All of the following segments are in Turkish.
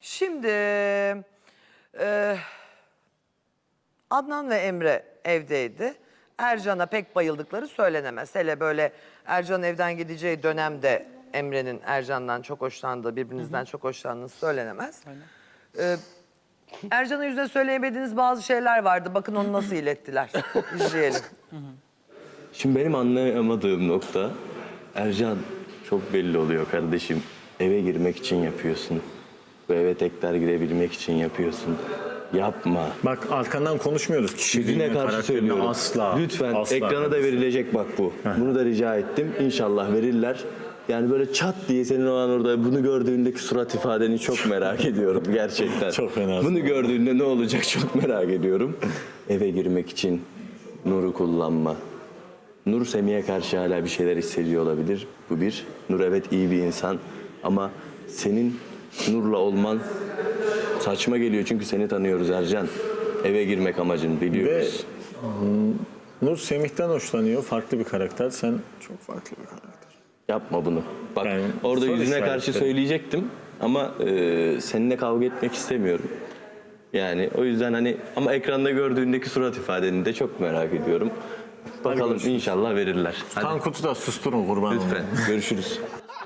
Şimdi Adnan ve Emre evdeydi. Ercan'a pek bayıldıkları söylenemez. Hele böyle Ercan'ın evden gideceği dönemde Emre'nin Ercan'dan çok hoşlandığı, birbirinizden çok hoşlandığınız söylenemez. Ercan'ın yüzüne söyleyemediğiniz bazı şeyler vardı. Bakın onu nasıl ilettiler. İzleyelim. Şimdi benim anlayamadığım nokta, Ercan çok belli oluyor kardeşim. Eve girmek için yapıyorsun. Bu eve tekrar girebilmek için yapıyorsun. Yapma. Bak arkandan konuşmuyoruz. Yüzüne karşı söylüyorum. Asla. Lütfen asla ekrana da verilecek bak bu. Bunu da rica ettim. İnşallah verirler. Yani böyle çat diye senin o an orada bunu gördüğündeki surat ifadeni çok merak ediyorum gerçekten. Çok fena. Bunu gördüğünde ne olacak çok merak ediyorum. Eve girmek için Nur'u kullanma. Nur Semih'e karşı hala bir şeyler hissediyor olabilir. Bu bir. Nur evet iyi bir insan ama senin Nur'la olman saçma geliyor çünkü seni tanıyoruz Ercan. Eve girmek amacın biliyoruz. Nur Semih'ten hoşlanıyor. Farklı bir karakter. Sen çok farklı bir karakter. Yapma bunu. Bak Yani orada soru yüzüne karşı işaretleri. söyleyecektim ama seninle kavga etmek istemiyorum. Yani o yüzden hani ama ekranda gördüğündeki surat ifadeni de çok merak ediyorum. Bakalım görüşürüz. inşallah verirler. Hadi Tankut'u da susturun kurban lütfen olayım. görüşürüz.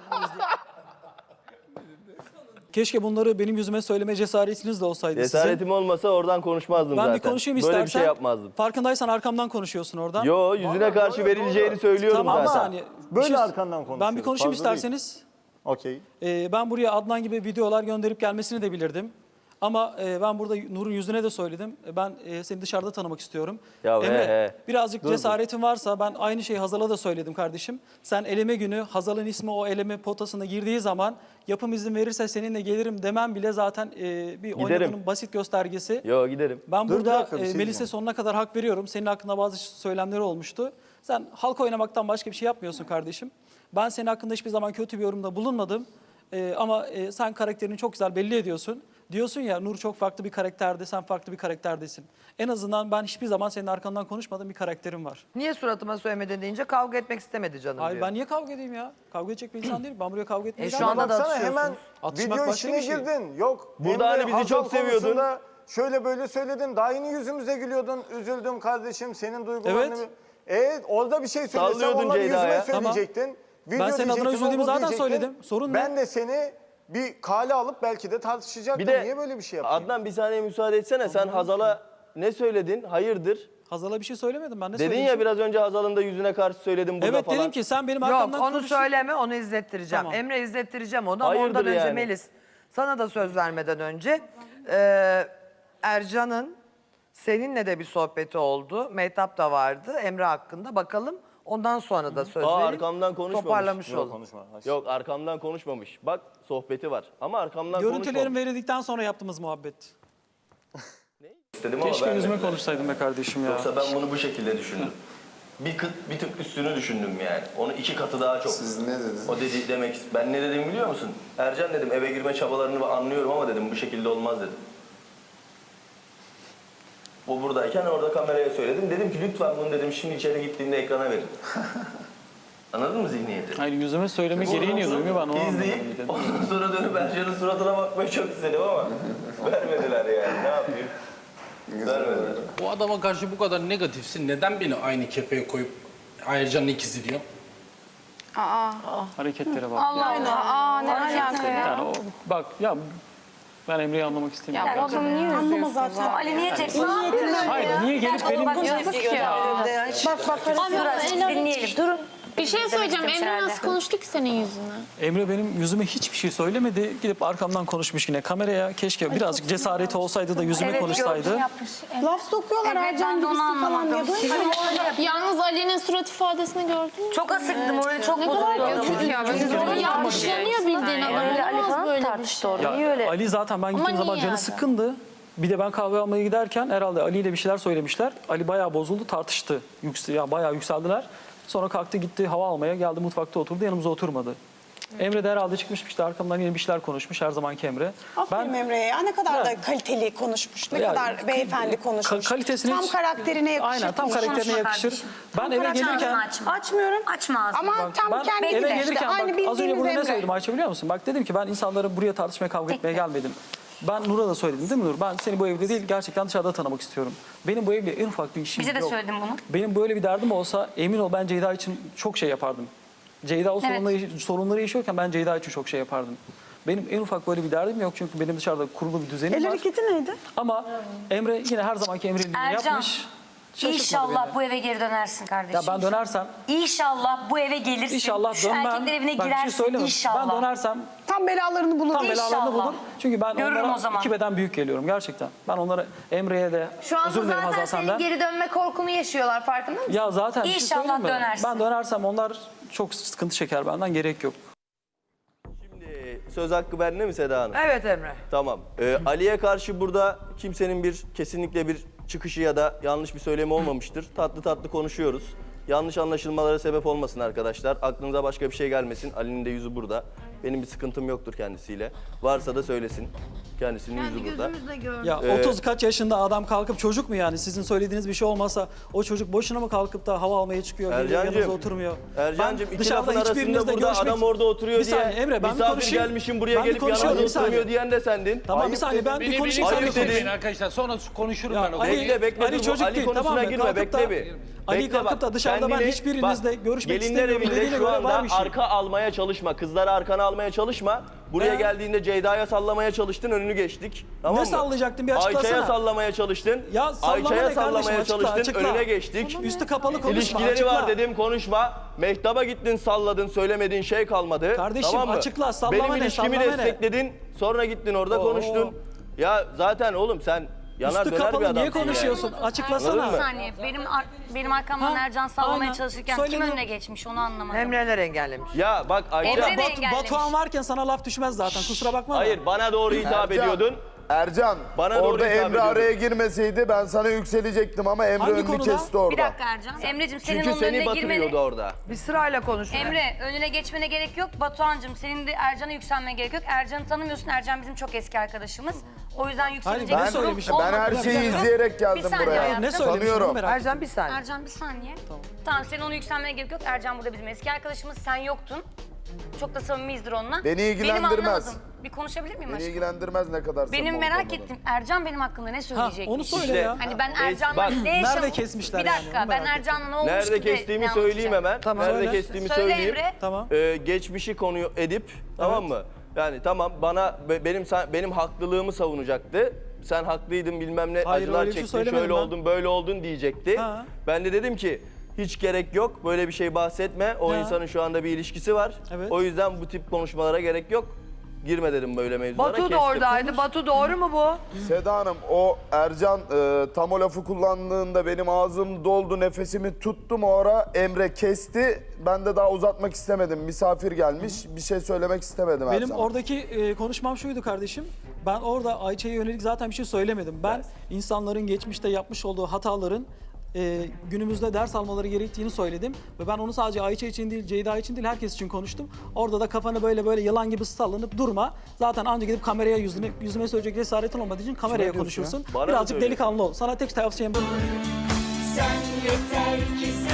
Keşke bunları benim yüzüme söyleme cesaretiniz de olsaydı Cesaretim olmasa oradan konuşmazdım sizin. Ben zaten. bir konuşayım Böyle istersen. bir şey yapmazdım. Farkındaysan arkamdan konuşuyorsun oradan. Yo yüzüne karşı verileceğini söylüyorum Tamam bir zaten. saniye. Böyle arkandan Ben bir konuşuyoruz, konuşayım fazla değil. isterseniz. Okey. Ben buraya Adnan gibi videolar gönderip gelmesini de bilirdim. Ama ben burada Nur'un yüzüne de söyledim. Ben seni dışarıda tanımak istiyorum. Ya Emre, birazcık Dur. cesaretin varsa ben aynı şeyi Hazal'a da söyledim kardeşim. Sen eleme günü Hazal'ın ismi o eleme potasına girdiği zaman yapım izin verirse seninle gelirim demem bile zaten bir oynadığının basit göstergesi. Yo giderim. Ben Dur, bir burada dakika, bir şey Melis'e diyeceğim. sonuna kadar hak veriyorum. Senin hakkında bazı söylemleri olmuştu. Sen halk oynamaktan başka bir şey yapmıyorsun kardeşim. Ben senin hakkında hiçbir zaman kötü bir yorumda bulunmadım. Ama sen karakterini çok güzel belli ediyorsun. Diyorsun ya Nur çok farklı bir karakterde, sen farklı bir karakterdesin. En azından ben hiçbir zaman senin arkandan konuşmadığım bir karakterim var. Niye suratıma söylemedin deyince kavga etmek istemedi canım Hayır diyor. ben niye kavga edeyim ya? Kavga edecek bir insan değilim. Ben buraya kavga etmeye şu gelmedim. anda da Baksana hemen atışıyorsunuz. Atışmak video başka işine bir şey. girdin. Yok. Burada hani bizi Hazal çok seviyordun. konusunda şöyle böyle söyledin. Daha yeni yüzümüze gülüyordun. Üzüldüm kardeşim senin duygularını. Evet. Orada bir şey söylesem Sallıyordun onları yüzüme Ceyda'ya. söyleyecektin. Video Ben senin adına diyecektin, üzüldüğümü o zaten diyecektin. söyledim. Sorun ne? Ben de seni bir kale alıp belki de tartışacaktım. Bir de Niye böyle bir şey yapayım? Adnan bir saniye müsaade etsene. Sen Hazal'a ne söyledin? Hayırdır? Hazal'a bir şey söylemedim ben. Ne Dedin söylemişim? ya biraz önce Hazal'ın da yüzüne karşı söyledim burada Evet falan. dedim ki sen benim Yok arkamdan onu konuştun. söyleme, onu izlettireceğim. Tamam. Emre izlettireceğim onu ama Hayırdır ondan önce yani? Melis. Sana da söz vermeden önce Ercan'ın seninle de bir sohbeti oldu. Mehtap da vardı Emre hakkında. Bakalım ondan sonra da söz vereyim. arkamdan konuşmamış. Toparlamış Yok, olun. konuşma. Yok arkamdan konuşmamış. Bak sohbeti var ama arkamdan Görüntülerim konuşmamış. verildikten sonra yaptığımız muhabbet. İstedim ama Keşke yüzüme vermediler. konuşsaydın be kardeşim ya. Yoksa ben bunu bu şekilde düşündüm. Bir tık üstünü düşündüm yani. Onu 2 katı daha çok. Siz ne dediniz? O dedi demek. Ben ne dedim biliyor musun? Ercan dedim eve girme çabalarını anlıyorum ama dedim bu şekilde olmaz dedim. O buradayken orada kameraya söyledim. Dedim ki lütfen bunu dedim şimdi içeri gittiğinde ekrana verin. Anladın mı zihniyeti? Hayır yüzüme söyleme gereği niye duymuyor ben onu İzleyip anlamadım. ondan sonra dönüp Ercan'ın suratına bakmayı çok istedim ama vermediler yani. Ne yapayım? Vermediler. Bu adama karşı bu kadar negatifsin. Neden beni aynı kefeye koyup Ercan'ın ikizi diyor? Hareketlere bak. Allah Allah. Ne alaka ya? Yani o bak ya ben Emre'yi anlamak istemiyorum. Ya bu adamı niye üzüyorsun zaten? Ali niye tek Hayır niye gelip benim... Yazık ya. Bak dinleyelim? Durun. Bir şey söyleyeceğim. istemiş Emre herhalde. nasıl konuştu ki senin yüzüne? Emre benim yüzüme hiçbir şey söylemedi. Gidip arkamdan konuşmuş yine kameraya. Keşke birazcık cesareti olsaydı da yüzüme konuşsaydı. Laf sokuyorlar Ercan gibisin falan diye. Yalnız Ali'nin surat ifadesini gördün mü? Çok asıktı, morali çok Ne kadar bozuldu. yazık ya. Yanlışlanıyor bildiğin adam. Ali Olamaz falan böyle bir tartıştı şey. orada. Niye öyle? Ali zaten ben gittiğim niye zaman canı yani? sıkkındı. Bir de ben kahve almaya giderken herhalde Ali ile bir şeyler söylemişler. Ali bayağı bozuldu, tartıştı. Bayağı yükseldiler. Sonra kalktı gitti hava almaya, geldi mutfakta oturdu, yanımıza oturmadı. Emre de herhalde çıkmış işte arkamdan yine bir şeyler konuşmuş her zamanki Emre. Aferin Emre'ye ya. Ne kadar da kaliteli konuşmuş. Ne Ya, kadar beyefendi konuşmuş. kalitesini tam hiç- karakterine yakışır. Aynen tam konuşmuş. karakterine yakışır. Ben eve Açma gelirken... ağzını açma. Açmıyorum. Açma ağzını. Ama tam Ben kendi eve gibi işte. gelirken Aynı bak az önce bildiğiniz bunu ne Emre. söyledim Ayça biliyor musun? Bak dedim ki ben insanları buraya tartışmaya kavga etmeye gelmedim. Ben Nur'a da söyledim değil mi Nur? Ben seni bu evde değil gerçekten dışarıda tanımak istiyorum. Benim bu evle en ufak bir işim Bize de yok. söyledin bunu. Benim böyle bir derdim olsa emin ol ben Ceyda için çok şey yapardım. Ceyda o sorunları yaşıyorken ben Ceyda için çok şey yapardım. Benim en ufak böyle bir derdim yok çünkü benim dışarıda kurulu bir düzenim El var. hareketi neydi? Ama Emre yine her zamanki Emre'nin Ercan, yapmış. Şaşırtmadı İnşallah beni. bu eve geri dönersin kardeşim. Ya ben dönersem İnşallah bu eve gelirsin. İnşallah Şu dönmem. erkekler evine Bak bir şey girersin söyleyeyim mi? inşallah. Ben dönersem Tam belalarını bulur. tam belalarını İnşallah. bulur. Çünkü ben Görürüm onlara o zaman. 2 beden büyük geliyorum gerçekten. Ben onlara Emre'ye de Şu anda özür dilerim zaten Hazal senin senden. geri dönme korkunu yaşıyorlar farkında mısın? Ya zaten bir şey İnşallah söyleyeyim mi? dönersin. Ben dönersem onlar çok sıkıntı çeker benden gerek yok. Şimdi söz hakkı bende mi Seda Hanım? Evet Emre. Tamam. Ali'ye karşı burada kimsenin kesinlikle bir çıkışı ya da yanlış bir söylemi olmamıştır. Tatlı tatlı konuşuyoruz. Yanlış anlaşılmalara sebep olmasın arkadaşlar. Aklınıza başka bir şey gelmesin. Ali'nin de yüzü burada. Benim bir sıkıntım yoktur kendisiyle. Varsa da söylesin. Kendisinin yüzü burada. Ya 30 kaç yaşında adam kalkıp çocuk mu yani? Sizin söylediğiniz bir şey olmasa o çocuk boşuna mı kalkıp da hava almaya çıkıyor, geliyor Ercan'cığım, yanınıza oturmuyor? Ercan'cığım Ben iki dışarıda lafın arasında hiçbirinizle burada görüşmek- adam orada oturuyor Bir saniye diye Emre, ben bir misafir konuşayım. gelmişim buraya Ben bir gelip konuşuyorum, yanımda bir saniye. oturmuyor diyen de sendin. Tamam bir Ayıp saniye dedin. ben bir Beni konuşayım sen de Ayıp konuş. dedin. arkadaşlar sonra konuşurum Ya ben o Ali- konuyu. Bekle Ali dur, çocuk Ali değil, konusuna tamam mı? girme, Kalkıp bekle da- bir. Ali Bekle kalkıp bak, da dışarıda ben kendini- hiçbirinizle bak, görüşmek gelinler istemiyorum evinde dediğine şu göre anda var bir şey. arka almaya çalışma. Kızları arkana almaya çalışma. Buraya geldiğinde Ceyda'ya sallamaya çalıştın, önünü geçtik. Tamam Ne mı? sallayacaktın, bir açıklasana. Ayça'ya sallamaya çalıştın. Ya sallama Ayça'ya ne kardeşim, sallamaya açıkla, çalıştın, açıkla. önüne geçtik. Üstü kapalı konuşma. İlişkileri açıkla. var dedim, konuşma. Mehtap'a gittin, salladın, söylemediğin şey kalmadı. Kardeşim, tamam mı? açıkla, sallama Benim ne, ilişkimi sallama ne? destekledin, sonra gittin orada Oo. konuştun. Ya zaten oğlum sen yanar Üstü döner bir kapalı adamsın niye ya. konuşuyorsun? Açıklasana. Anladın Bir mı? saniye. Benim arkamdan Ha, Ercan sallamaya aynen. çalışırken Söyledim. kim önüne geçmiş onu anlamadım. Emre'ler engellemiş. Ya bak Ayça... Emre de Batu, engellemiş. Batuhan varken sana laf düşmez zaten kusura bakma da. Hayır bana doğru hitap ediyordun. Ercan, Bana doğru orada hitap Emre ediyordun. araya girmeseydi ben sana yükselecektim ama Emre Hangi önünü konuda? kesti orada. Bir dakika Ercan. Emre'cim senin Çünkü onun seni önüne batırıyordu girmene... orada. Bir sırayla konuşun. Emre önüne geçmene gerek yok. Batuhan'cığım senin de Ercan'a yükselmene gerek yok. Ercan'ı tanımıyorsun. Ercan bizim çok eski arkadaşımız. O yüzden yükselecek ben bir durum söylemişim. Ben her olmadı. şeyi Bir izleyerek saniye geldim buraya. hayatım. Ne söylemişim Tanıyorum. onu merak ettim. Ercan bir saniye. Ercan bir saniye. Tamam senin onu yükselmene gerek yok. Ercan burada bizim eski arkadaşımız. Sen yoktun. Çok da samimiyizdir onunla. Beni ilgilendirmez. Benim anlamadım. Bir konuşabilir miyim Beni aşkım? ilgilendirmez ne kadar Benim samimi merak olmadan. ettim. Ercan benim hakkında ne Ha, söyleyecek? onu söyle İşte- ya. Hani ben Bak, Ercan'la ne yaşam... nerede kesmişler Bir yani, dakika onu ben merak Ercan'la ne olmuştu Nerede ki kestiğimi ne söyleyeyim anlatacağım? hemen. Tamam. Nerede Söyle. kestiğimi Söyle söyleyeyim. Emre. Tamam. Geçmişi konu edip tamam mı? Yani tamam bana benim haklılığımı savunacaktı. Sen haklıydın bilmem ne Hayır, acılar öyle bir şey çektin söylemedim şöyle ben. oldun böyle oldun diyecekti. Ha. Ben de dedim ki hiç gerek yok böyle bir şey bahsetme. O Ha. insanın şu anda bir ilişkisi var. Evet. O yüzden bu tip konuşmalara gerek yok. Girme dedim böyle mevzulara. Batu da kestim. oradaydı. Batu doğru mu bu? Seda Hanım o Ercan tam o lafı kullandığında benim ağzım doldu nefesimi tuttum o ara Emre kesti. Ben de daha uzatmak istemedim. Misafir gelmiş bir şey söylemek istemedim Benim Ercan. oradaki konuşmam şuydu kardeşim. Ben orada Ayça'ya yönelik zaten bir şey söylemedim. Ben insanların geçmişte yapmış olduğu hataların günümüzde ders almaları gerektiğini söyledim. Ve ben onu sadece Ayça için değil, Ceyda için değil, herkes için konuştum. Orada da kafanı böyle yılan gibi sallanıp durma. Zaten anca gidip kameraya yüzüme söyleyecek cesaretin olmadığı için kameraya konuşursun. Bana mı Birazcık söylüyorsun? delikanlı ol. Sana tek tavsiyem bu. Sen yeter ki sen